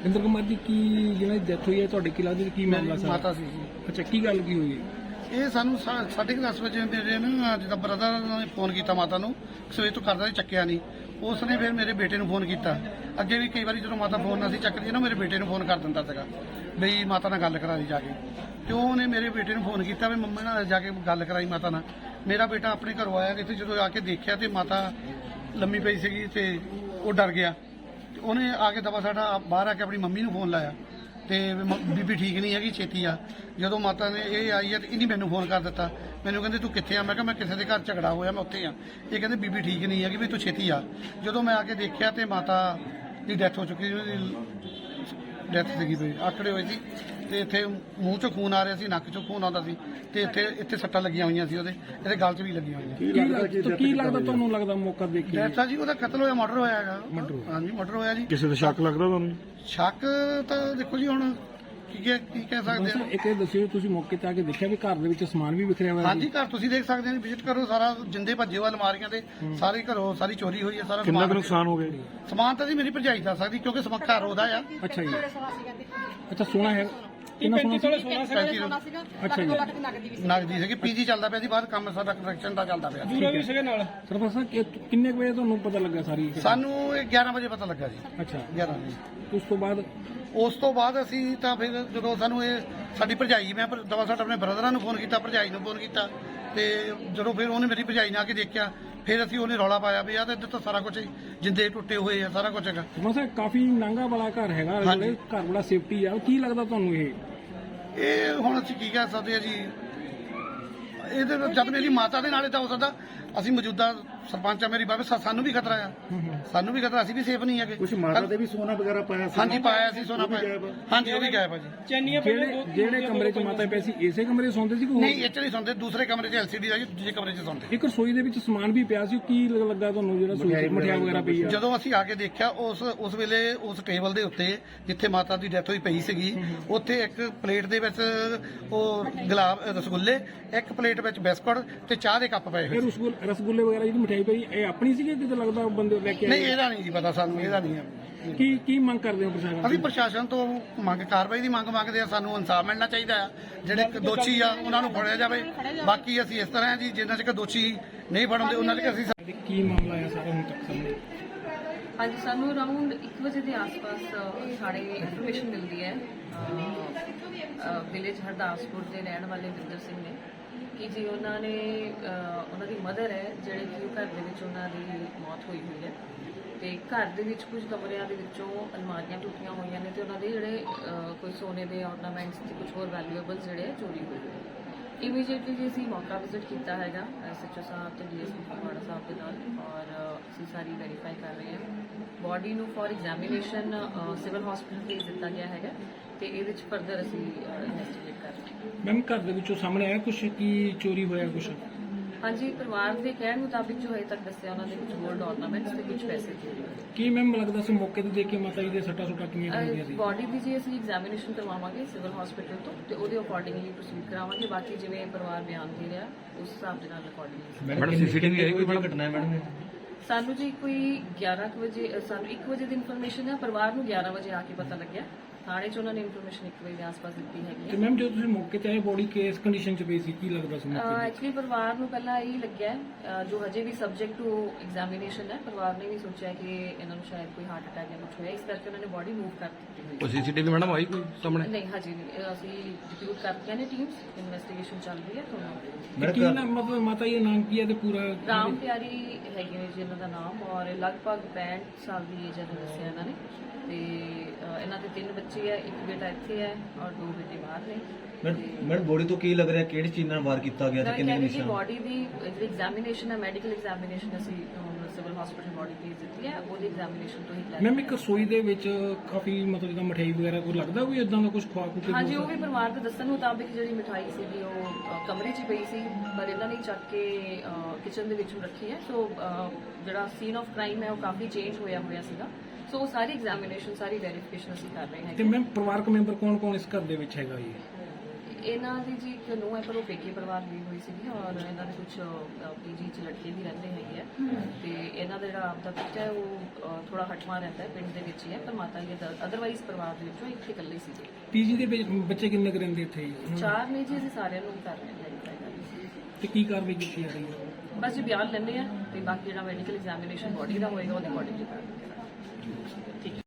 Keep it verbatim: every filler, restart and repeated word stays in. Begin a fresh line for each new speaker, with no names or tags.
ਇੰਦਰ ਕੁਮਾਰ ਜੀ ਕੀ ਜਿਹਨਾਂ ਦੀ ਡੈਥ ਹੋਈ ਹੈ ਤੁਹਾਡੇ ਕੀ ਲੱਗਦਾ ਕੀ ਮਾਮਲਾ ਸਰ?
ਮਾਤਾ ਸੀ ਜੀ।
ਅੱਛਾ ਕੀ ਗੱਲ ਕੀ ਹੋਈ?
ਇਹ ਸਾਨੂੰ ਸਾ- ਸਾਢੇ ਕੁ ਦਸ ਵਜੇ ਮੇਰੇ ਨਾ ਜਿੱਦਾਂ ਬ੍ਰਦਰ ਨੇ ਫੋਨ ਕੀਤਾ ਮਾਤਾ ਨੂੰ, ਸਵੇਰ ਤੋਂ ਕਰਦਾ ਸੀ, ਚੱਕਿਆ ਨਹੀਂ। ਉਸ ਨੇ ਫਿਰ ਮੇਰੇ ਬੇਟੇ ਨੂੰ ਫੋਨ ਕੀਤਾ। ਅੱਗੇ ਵੀ ਕਈ ਵਾਰੀ ਜਦੋਂ ਮਾਤਾ ਫੋਨ ਨਾ ਸੀ ਚੱਕਦੀ ਨਾ, ਮੇਰੇ ਬੇਟੇ ਨੂੰ ਫੋਨ ਕਰ ਦਿੰਦਾ ਸੀਗਾ ਬਈ ਮਾਤਾ ਨਾਲ ਗੱਲ ਕਰਾ ਦੀ ਜਾ ਕੇ। ਤੇ ਉਹਨੇ ਮੇਰੇ ਬੇਟੇ ਨੂੰ ਫੋਨ ਕੀਤਾ ਵੀ ਮੰਮੀ ਨਾਲ ਜਾ ਕੇ ਗੱਲ ਕਰਾਈ ਮਾਤਾ ਨਾਲ। ਮੇਰਾ ਬੇਟਾ ਆਪਣੇ ਘਰੋਂ ਆਇਆ ਤੇ ਜਦੋਂ ਆ ਕੇ ਦੇਖਿਆ ਤੇ ਮਾਤਾ ਲੰਮੀ ਪਈ ਸੀਗੀ ਤੇ ਉਹ ਡਰ ਗਿਆ। ਤੇ ਉਹਨੇ ਆ ਕੇ ਦਵਾ ਸਾਡਾ ਬਾਹਰ ਆ ਕੇ ਆਪਣੀ ਮੰਮੀ ਨੂੰ ਫੋਨ ਲਾਇਆ ਤੇ ਮ- ਬੀਬੀ ਠੀਕ ਨਹੀਂ ਹੈਗੀ, ਛੇਤੀ ਆ। ਜਦੋਂ ਮਾਤਾ ਨੇ ਇਹ ਆਈ ਹੈ ਤੇ ਇਹਨੇ ਮੈਨੂੰ ਫੋਨ ਕਰ ਦਿੱਤਾ। ਮੈਨੂੰ ਕਹਿੰਦੇ ਤੂੰ ਕਿੱਥੇ ਆ? ਮੈਂ ਕਿਹਾ ਮੈਂ ਕਿਸੇ ਦੇ ਘਰ ਝਗੜਾ ਹੋਇਆ, ਮੈਂ ਉੱਥੇ ਆ। ਇਹ ਕਹਿੰਦੇ ਬੀਬੀ ਠੀਕ ਨਹੀਂ ਹੈਗੀ ਵੀ ਤੂੰ ਛੇਤੀ ਆ। ਜਦੋਂ ਮੈਂ ਆ ਕੇ ਦੇਖਿਆ ਤੇ ਮਾਤਾ ਦੀ ਡੈਥ ਹੋ ਚੁੱਕੀ ਸੀ, ਉਹਦੀ ਡੈਥ ਸੀਗੀ ਵੀ ਆਕੜੇ ਹੋਏ ਸੀ ਤੇ ਇੱਥੇ ਮੂੰਹ ਚੋਂ ਖੂਨ ਆ ਰਿਹਾ ਸੀ, ਨੱਕ ਚੋਂ ਖੂਨ ਆਉਂਦਾ ਸੀ ਤੇ ਇੱਥੇ ਇੱਥੇ ਸੱਟਾਂ ਲੱਗੀਆਂ ਹੋਈਆਂ ਸੀ, ਉਹਦੇ ਇਹਦੇ ਗਲ 'ਚ ਵੀ ਲੱਗੀਆਂ ਹੋਈਆਂ।
ਕੀ ਲੱਗਦਾ ਕੀ ਲੱਗਦਾ ਤੁਹਾਨੂੰ ਲੱਗਦਾ ਮੌਕਾ ਦੇਖ ਕੇ?
ਡੈਥ ਆ ਜੀ, ਉਹਦਾ ਕਤਲ ਹੋਇਆ, ਮਰਡਰ ਹੋਇਆ ਹੈਗਾ।
Murder
ਹਾਂਜੀ ਮਰਡਰ ਹੋਇਆ ਜੀ।
ਕਿਸੇ ਦਾ ਸ਼ੱਕ ਲੱਗਦਾ ਤੁਹਾਨੂੰ?
ਸ਼ੱਕ ਤਾਂ ਦੇਖੋ ਜੀ ਹੁਣ ਕੀ ਕਹਿ ਕੀ ਕਹਿ ਸਕਦੇ
ਸਰ
ਆ।
ਇੱਕ ਇਹ ਦੱਸਿਓ ਤੁਸੀਂ ਮੌਕੇ ਤੇ ਆ ਕੇ ਦੇਖਿਆ ਵੀ ਘਰ ਦੇ ਵਿੱਚ ਸਮਾਨ ਵੀ ਵਿਖਰਿਆ ਹੋਇਆ
ਹਾਂਜੀ ਘਰ ਤੁਸੀਂ ਦੇਖ ਸਕਦੇ ਹੋ, ਵਿਜ਼ਿਟ ਕਰੋ। ਸਾਰਾ ਜਿੰਦੇ ਭੱਜੇ ਹੋਏ ਅਲਮਾਰੀਆਂ ਤੇ ਸਾਰੇ ਘਰੋਂ ਸਾਰੀ ਚੋਰੀ ਹੋਈ ਹੈ। ਸਾਰਾ
ਕਿੰਨਾ ਕੁ
ਸਮਾਨ
ਨੁਕਸਾਨ ਹੋ ਗਿਆ ਜੀ?
ਸਮਾਨ ਤਾਂ ਜੀ ਮੇਰੀ ਭਰਜਾਈ ਦੱਸ ਸਕਦੀ ਕਿਉਂਕਿ ਸਮਾਂ ਘਰ ਉਹਦਾ ਆ।
ਅੱਛਾ ਜੀ। ਅੱਛਾ ਸੋਨਾ ਹੈ ਕਿੰਨਾ ਸੋਨਾ ਸੀ?
ਪੈਂਤੀ ਸੌ
ਅੱਛਾ ਜੀ।
ਨਗਦੀ ਸੀਗੀ। ਪੀਜੀ ਚੱਲਦਾ ਪਿਆ ਜੀ ਬਾਹਰ, ਕੰਮ ਸਾਡਾ ਕੰਸਟਰਕਸ਼ਨ ਦਾ ਚੱਲਦਾ ਪਿਆ।
ਜੂਰਾ ਵੀ ਸੀਗੇ ਨਾਲ। ਸਰਪੰਚ ਸਾਹਿਬ ਕਿ- ਕਿੰਨੇ ਕੁ ਵਜੇ ਤੁਹਾਨੂੰ ਪਤਾ ਲੱਗਾ ਸਾਰੀ?
ਸਾਨੂੰ ਇਹ ਗਿਆਰਾਂ ਵਜੇ ਪਤਾ ਲੱਗਾ ਜੀ।
ਅੱਛਾ
ਗਿਆਰਾਂ ਵਜੇ।
ਉਸ ਤੋਂ ਬਾਅਦ
ਉਸ ਤੋਂ ਬਾਅਦ ਅਸੀਂ ਤਾਂ ਫਿਰ ਜਦੋਂ ਸਾਨੂੰ ਇਹ ਸਾਡੀ ਭਰਜਾਈ, ਮੈਂ ਪਰ- ਦਵਾ ਸਾਡ ਆਪਣੇ ਬ੍ਰਦਰਾਂ ਨੂੰ ਫੋਨ ਕੀਤਾ, ਭਰਜਾਈ ਨੂੰ ਫੋਨ ਕੀਤਾ ਤੇ ਜਦੋਂ ਫਿਰ ਉਹਨੇ ਮੇਰੀ ਭਰਜਾਈ ਨੇ ਆ ਕੇ ਦੇਖਿਆ, ਫਿਰ ਅਸੀਂ ਉਹਨੇ ਰੌਲਾ ਪਾਇਆ ਵੀ ਆ ਤਾਂ ਇੱਧਰ ਤਾਂ ਸਾਰਾ ਕੁਝ ਜਿੰਦੇ ਟੁੱਟੇ ਹੋਏ ਆ, ਸਾਰਾ ਕੁਝ ਹੈਗਾ।
ਸਰਪੰਚ ਸਾਹਿਬ ਕਾਫੀ ਨਾਂਗਾ ਵਾਲਾ ਘਰ ਹੈਗਾ,
ਹਾਂਜੀ।
ਘਰ ਵਾਲਾ ਸੇਫਟੀ ਆ, ਕੀ ਲੱਗਦਾ ਤੁਹਾਨੂੰ ਇਹ?
ਇਹ ਹੁਣ ਅਸੀਂ ਕੀ ਕਹਿ ਸਕਦੇ ਆ ਜੀ। ਇਹਦੇ ਵਿੱਚ ਜਦ ਮੇਰੀ ਮਾਤਾ ਦੇ ਨਾਲ ਇਹ ਤਾਂ ਹੋ ਸਕਦਾ, ਅਸੀਂ ਮੌਜੂਦਾ ਸਰਪੰਚ ਆ, ਮੇਰੀ ਬਾਬੇ ਸਾਨੂੰ ਵੀ ਖਤਰਾ ਆ, ਸਾਨੂੰ ਵੀ ਖਤਰਾ, ਅਸੀਂ ਵੀ ਸੇਫ ਨਹੀਂ ਹੈਗੇ।
ਕੁਝ ਮਾਤਾ ਦੇ ਵੀ ਸੋਨਾ ਵਗੈਰਾ ਪਾਇਆ ਸੀ?
ਹਾਂਜੀ ਪਾਇਆ ਸੀ, ਸੋਨਾ ਪਾਇਆ। ਹਾਂਜੀ ਉਹ ਵੀ ਗਾਇਬ ਆ ਜੀ।
ਜਿਹੜੇ ਜਿਹੜੇ ਕਮਰੇ 'ਚ ਮਾਤਾ ਪਈ ਸੀ ਇਸੇ ਕਮਰੇ 'ਚ ਸੌਂਦੇ ਸੀ ਕਿ ਹੋਰ?
ਨਹੀਂ ਇਹ ਚ ਨਹੀਂ ਸੌਂਦੇ, ਦੂਸਰੇ ਕਮਰੇ 'ਚ ਐਲਸੀਡੀ ਦਾ ਜੀ, ਦੂਜੇ ਕਮਰੇ 'ਚ ਸੌਂਦੇ।
ਇੱਕ ਰਸੋਈ ਦੇ ਵਿੱਚ ਸਮਾਨ ਵੀ ਪਿਆ ਸੀ, ਕੀ ਲੱਗ- ਲੱਗਾ ਤੁਹਾਨੂੰ ਜਿਹੜਾ ਰਸੋਈ 'ਚ ਮਠਿਆਈ ਵਗੈਰਾ ਪਈ ਆ?
ਜਦੋਂ ਅਸੀਂ ਆ ਕੇ ਦੇਖਿਆ ਉਸ ਉਸ ਵੇਲੇ ਉਸ ਟੇਬਲ ਦੇ ਉੱਤੇ ਜਿੱਥੇ ਮਾਤਾ ਦੀ ਡੈਥ ਹੋਈ ਪਈ ਸੀਗੀ, ਉੱਥੇ ਇੱਕ ਪਲੇਟ ਦੇ ਵਿੱਚ ਉਹ ਗੁਲਾਬ ਰਸਗੁੱਲੇ, ਇੱਕ ਪਲੇਟ ਵਿੱਚ ਬਿਸਕੁਟ ਤੇ ਚਾਹ ਦੇ ਕੱਪ ਪਏ ਹੋਏ
ਇਹ
ਸੀ।
ਰਸਗੁੱਲੇ ਰਸਗੁੱਲੇ ਵਗੈਰਾ ਜਿਹੜੀ ਮਠਿਆਈ ਪਈ ਇਹ ਆਪਣੀ ਸੀਗੀ ਕਿਤੇ ਲੱਗਦਾ ਬੰਦੇ ਲੈ ਕੇ
ਨਹੀਂ
ਆਏ?
ਇਹਦਾ ਨਹੀਂ ਜੀ ਪਤਾ ਸਾਨੂੰ, ਇਹਦਾ ਨਹੀਂ ਹੈ।
ਕੀ ਕੀ ਮੰਗ ਕਰਦੇ ਹੋ ਪ੍ਰਸ਼ਾਸਨ?
ਅਸੀਂ ਪ੍ਰਸ਼ਾਸਨ ਤੋਂ ਮੰਗ ਕਾਰਵਾਈ ਦੀ ਮੰਗ ਮੰਗਦੇ ਆ। ਸਾਨੂੰ ਇਨਸਾਫ ਮਿਲਣਾ ਚਾਹੀਦਾ ਆ। ਜਿਹੜੇ ਦੋਸ਼ੀ ਆ ਉਹਨਾਂ ਨੂੰ ਫੜਿਆ ਜਾਵੇ। ਬਾਕੀ ਅਸੀਂ ਇਸ ਤਰ੍ਹਾਂ ਆ ਜੀ, ਜਿੰਨਾ ਚਿਰ ਦੋਸ਼ੀ ਨਹੀਂ ਫੜਨਦੇ ਉਹਨਾਂ ਚਿਰ ਅਸੀਂ
ਕੀ ਮਾਮਲਾ ਹੈ ਸਾਰਾ ਹੁਣ ਤੱਕ ਸਾਹਮਣੇ?
ਹਾਂਜੀ ਸਾਨੂੰ ਅਰਾਊਂਡ ਇੱਕ ਵਜੇ ਦੇ ਆਸ-ਪਾਸ ਅ, ਸਾਡੇ ਇਨਫੋਰਮੇਸ਼ਨ ਮਿਲਦੀ ਹੈ ਵਿਲੇਜ ਹਰਦਾਸਪੁਰ ਦੇ ਰਹਿਣ ਵਾਲੇ ਵਿੰਦਰ ਸਿੰਘ ਨੇ ਕਿ ਜੀ ਉਹਨਾਂ ਨੇ ਅ, ਉਹਨਾਂ ਦੀ ਮਦਰ ਹੈ ਜਿਹੜੇ ਕਿ ਉਹ ਘਰ ਦੇ ਵਿੱਚ ਉਹਨਾਂ ਦੀ ਮੌਤ ਹੋਈ ਹੋਈ ਹੈ ਤੇ ਘਰ ਦੇ ਵਿੱਚ ਕੁਝ ਕਮਰਿਆਂ ਦੇ ਵਿੱਚੋਂ ਅਲਮਾਰੀਆਂ ਟੁੱਟੀਆਂ ਹੋਈਆਂ ਨੇ ਤੇ ਉਹਨਾਂ ਦੇ ਜਿਹੜੇ ਅ, ਕੋਈ ਸੋਨੇ ਦੇ ਆਰਨਾਮੈਂਟਸ ਤੇ ਕੁਝ ਹੋਰ ਵੈਲਿਊਏਬਲਸ ਜਿਹੜੇ ਆ ਚੋਰੀ ਹੋਏ ਹੋਏ ਨੇ। ਇਮੀਡੀਏਟਲੀ ਜੀ ਅਸੀਂ ਮੌਕਾ ਵਿਜ਼ਿਟ ਕੀਤਾ ਹੈਗਾ ਐਸਐਚਓ ਸਾਹਿਬ ਤੇ ਡੀਐਸਪੀ ਫਗਵਾੜਾ ਸਾਹਿਬ ਦੇ ਨਾਲ ਔਰ ਅਸੀਂ ਸਾਰੀ ਵੈਰੀਫਾਈ ਕਰ ਰਹੇ ਹਾਂ। ਬੋਡੀ ਨੂੰ ਫॉर ਐਗਜ਼ਾਮੀਨੇਸ਼ਨ ਸਿਵਲ ਹਸਪੀਟਲ ਭੇਜ ਦਿੱਤਾ ਗਿਆ ਹੈਗਾ ਤੇ ਇਹਦੇ ਵਿੱਚ ਫਰਦਰ ਅਸੀਂ ਇਨਵੈਸਟੀਗੇਟ ਕਰ ਰਹੇ ਹਾਂ।
ਮੈਮ ਘਰ ਦੇ ਵਿੱਚੋਂ ਸਾਹਮਣੇ ਆਇਆ ਕੁਝ ਕੀ ਚੋਰੀ ਹੋਇਆ ਕੁਝ?
ਹਾਂਜੀ ਪਰਿਵਾਰ ਦੇ ਕਹਿਣ ਮੁਤਾਬਿਕ ਜੋ ਹਜੇ ਤੱਕ ਦੱਸਿਆ ਉਹਨਾਂ ਦੇ ਕੁਝ ਗੋਲਡ ਆਰਨਾਮੈਂਟਸ ਤੇ ਕੁਝ ਪੈਸੇ ਚੋਰੀ ਹੋਏ।
ਕੀ ਮੈਮ ਲੱਗਦਾ ਸੀ ਮੌਕੇ ਤੇ ਦੇਖ ਕੇ ਮਾਤਾ ਜੀ ਦੇ ਸੱਟਾਂ ਸੁੱਟਾਂ ਕਿੰਨੀਆਂ ਹੁੰਦੀਆਂ ਸੀ?
ਬੋਡੀ ਦੀ ਜੀ ਅਸੀਂ ਐਗਜ਼ਾਮੀਨੇਸ਼ਨ ਕਰਵਾਵਾਂਗੇ ਸਿਵਲ ਹਸਪੀਟਲ ਤੋਂ ਤੇ ਉਹਦੇ ਅਕੋਰਡਿੰਗਲੀ ਪ੍ਰੋਸੀਡ ਕਰਾਵਾਂਗੇ। ਬਾਕੀ ਜਿਵੇਂ ਪਰਿਵਾਰ ਬਿਆਨ ਦੇ ਰਿਹਾ ਉਸ ਹਿਸਾਬ ਦੇ ਨਾਲ ਅਕੋਰਡਿੰਗਲੀ
ਮੈਡਮ ਸੀਸੀਟੀਵੀ ਹੈ ਕੋਈ ਬੜਾ ਘਟਨਾ ਹੈ ਮੈਡਮ?
ਸਾਨੂੰ ਜੀ ਕੋਈ ਗਿਆਰਾਂ ਕੁ ਵਜੇ ਅ, ਸਾਨੂੰ ਇੱਕ ਵਜੇ ਦੀ ਇਨਫੋਰਮੇਸ਼ਨ ਹੈ। ਪਰਿਵਾਰ ਨੂੰ ਗਿਆਰਾਂ ਵਜੇ ਆ ਕੇ ਪਤਾ ਲੱਗਿਆ। ਥਾਣੇ 'ਚ ਉਹਨਾਂ ਨੇ ਇਨਫੋਰਮੇਸ਼ਨ ਇੱਕ ਵਜੇ ਦੇ ਆਸ-ਪਾਸ ਦਿੱਤੀ ਹੈਗੀ
ਤੇ
ਹੈ।
ਮੈਮ ਜਦੋਂ ਤੁਸੀਂ ਮੌਕੇ ਤੇ ਆਏ ਬੋਡੀ ਕਿਸ ਕੰਡੀਸ਼ਨ 'ਚ ਪਈ ਸੀ, ਕੀ ਲੱਗਦਾ ਸੀ ਮੌਕੇ ਤੇ?
ਐਕਚੁਅਲੀ ਪਰਿਵਾਰ ਨੂੰ ਪਹਿਲਾਂ ਇਹ ਲੱਗਿਆ ਹੈ, ਅ, ਜੋ ਹਜੇ ਵੀ ਸਬਜੈਕਟ ਟੂ ਐਗਜ਼ਾਮੀਨੇਸ਼ਨ ਹੈ। ਪਰਿਵਾਰ ਨੇ ਵੀ ਸੋਚਿਆ ਕਿ ਇਹਨਾਂ ਨੂੰ ਸ਼ਾਇਦ ਕੋਈ ਹਾਰਟ ਅਟੈਕ ਜਾਂ ਕੁਝ ਹੋਇਆ, ਇਸ ਕਰਕੇ ਉਹਨਾਂ ਨੇ ਬੋਡੀ ਮੂਵ ਕਰ ਦਿੱਤੀ ਹੋਈ
ਉਹ ਸੀਸੀਟੀਵੀ ਮੈਡਮ ਆਈ ਕੋਈ ਸਾਹਮਣੇ?
ਨਹੀਂ ਹਜੇ ਨਹੀਂ। ਅ, ਅਸੀਂ ਡਿਪਿਊਟ ਕਰਤੀਆਂ ਨੇ ਟੀਮਸ, ਇਨਵੈਸਟੀਗੇਸ਼ਨ ਚੱਲ ਰਹੀ ਹੈ। ਤੁਹਾਨੂੰ
ਤੇ ਕੀ ਨਾਮ ਮਤਲਬ ਮਾਤਾ ਜੀ ਦਾ ਨਾਮ ਕੀ ਹੈ ਤੇ ਪੂਰਾ?
ਰਾਮ ਪਿਆਰੀ ਹੈਗੇ ਨੇ ਜੀ ਇਹਨਾਂ ਦਾ ਨਾਮ ਔਰ ਲਗਭਗ ਪੈਂਹਠ ਸਾਲ ਦੀ ਏਜ ਹੈ ਦੱਸਿਆ ਇਹਨਾਂ ਨੇ ਤੇ ਅ, ਇਹਨਾਂ ਦੇ ਤਿੰਨ ਬੱਚੇ ਹੈ, ਇੱਕ ਬੇਟਾ ਇੱਥੇ ਹੈ ਔਰ ਦੋ ਬੇਟੇ ਬਾਹਰ ਨੇ।
ਮੈਡਮ ਬੋਡੀ ਤੋਂ ਕੀ ਲੱਗ ਰਿਹਾ ਕਿਹੜੀ ਚੀਜ਼ ਨਾਲ ਵਾਰ ਕੀਤਾ ਗਿਆ ਤੇ
ਮੈਂ
ਕਿੰਨੇ
ਕਹਿੰਦੀ ਜੀ
ਨਿਸ਼ਾਨ?
ਬੋਡੀ ਦੀ ਜਿਹੜੀ ਐਗਜ਼ਾਮੀਨੇਸ਼ਨ ਹੈ, ਮੈਡੀਕਲ ਐਗਜ਼ਾਮੀਨੇਸ਼ਨ ਅਸੀਂ ਸਿਵਲ ਹਸਪੀਟਲ ਬੋਡੀ ਭੇਜ ਦਿੱਤੀ ਹੈ, ਉਹਦੀ ਐਗਜ਼ਾਮੀਨੇਸ਼ਨ ਤੋਂ ਹੀ plan
ਮੈਮ ਇੱਕ ਰਸੋਈ ਦੇ ਵਿੱਚ ਕਾਫੀ ਮਤਲਬ ਜਿੱਦਾਂ ਮਠਿਆਈ ਵਗੈਰਾ ਕੋਈ ਲੱਗਦਾ ਕੋਈ ਇਦਾਂ ਦਾ ਕੁਝ ਖਵਾ ਖੂ ਕੇ?
ਹਾਂਜੀ ਉਹ ਵੀ ਪਰਿਵਾਰ ਦੇ ਦੱਸਣ ਮੁਤਾਬਿਕ ਜਿਹੜੀ ਮਿਠਾਈ ਸੀਗੀ ਉਹ ਅ, ਕਮਰੇ 'ਚ ਹੀ ਪਈ ਸੀ ਪਰ ਇਹਨਾਂ ਨੇ ਚੱਕ ਕੇ ਕਿਚਨ ਦੇ ਵਿੱਚ ਰੱਖੀ ਹੈ। ਸੋ ਅ, ਜਿਹੜਾ ਸੀਨ ਆਫ ਕ੍ਰਾਈਮ ਹੈ ਉਹ ਕਾਫੀ ਚੇਂਜ ਹੋਇਆ ਹੋਇਆ ਸੀਗਾ। ਸੋ ਉਹ ਸਾਰੀ ਐਗਜ਼ਾਮੀਨੇਸ਼ਨ ਸਾਰੀ ਵੈਰੀਫਿਕੇਸ਼ਨ ਅਸੀਂ ਕਰ ਰਹੇ
ਤੇ
ਹਾਂ।
ਮੈਮ ਪਰਿਵਾਰਕ ਮੈਂਬਰ ਕੌਣ ਕੌਣ ਇਸ ਘਰ ਦੇ ਵਿੱਚ ਹੈਗਾ ਜੀ?
ਇਹਨਾਂ ਦੀ ਜੀ ਇੱਕ ਨੂੰਹ ਹੈ ਪਰ ਉਹ ਪੇਕੇ ਪਰਿਵਾਰ ਦੀ ਹੋਈ ਸੀਗੀ ਔਰ ਇਹਨਾਂ ਦੇ ਕੁਝ ਪੀਜੀ ਚ ਲੜਕੇ ਵੀ ਰਹਿੰਦੇ ਹੈਗੇ ਆ ਤੇ ਇਹਨਾਂ ਦਾ ਜਿਹੜਾ ਆਪਦਾ ਪੁੱਤ ਹੈ ਉਹ ਥੋੜਾ ਹਟਵਾ ਰਹਿੰਦਾ ਹੈ ਪਿੰਡ ਦੇ ਵਿੱਚ ਹੀ ਹੈ ਪਰ ਮਾਤਾ ਜੀ ਅਦਰਵਾਈਜ਼ ਪਰਿਵਾਰ ਦੇ ਵਿੱਚੋਂ ਇੱਥੇ ਇਕੱਲੇ ਸੀਗੇ।
ਪੀਜੀ ਦੇ ਵਿੱਚ ਬੱਚੇ ਕਿੰਨੇ ਕੁ ਰਹਿੰਦੇ ਇੱਥੇ ਜੀ?
ਚਾਰ ਨੇ ਜੀ ਅਸੀਂ ਸਾਰਿਆਂ ਨੂੰ ਕਰ ਰਹੇ ਹਾਂ ਵੈਰੀਫਾਈ ਕਰ ਰਹੇ
ਤੇ ਕੀ ਕਾਰਵਾਈ ਕੀਤੀ ਜਾ ਰਹੀ ਹੈ?
ਹਾਂ। ਬਸ ਜੀ ਬਿਆਨ ਲੈਣੇ ਆ ਤੇ ਬਾਕੀ ਜਿਹੜਾ ਮੈਡੀਕਲ ਐਗਜ਼ਾਮੀਨੇਸ਼ਨ ਬੋਡੀ ਦਾ ਹੋਏਗਾ ਉਹਦੇ ਅਕੋਰਡਿੰਗਲੀ ਕਰਾਂਗੇ। ਠੀਕ ਹੈ।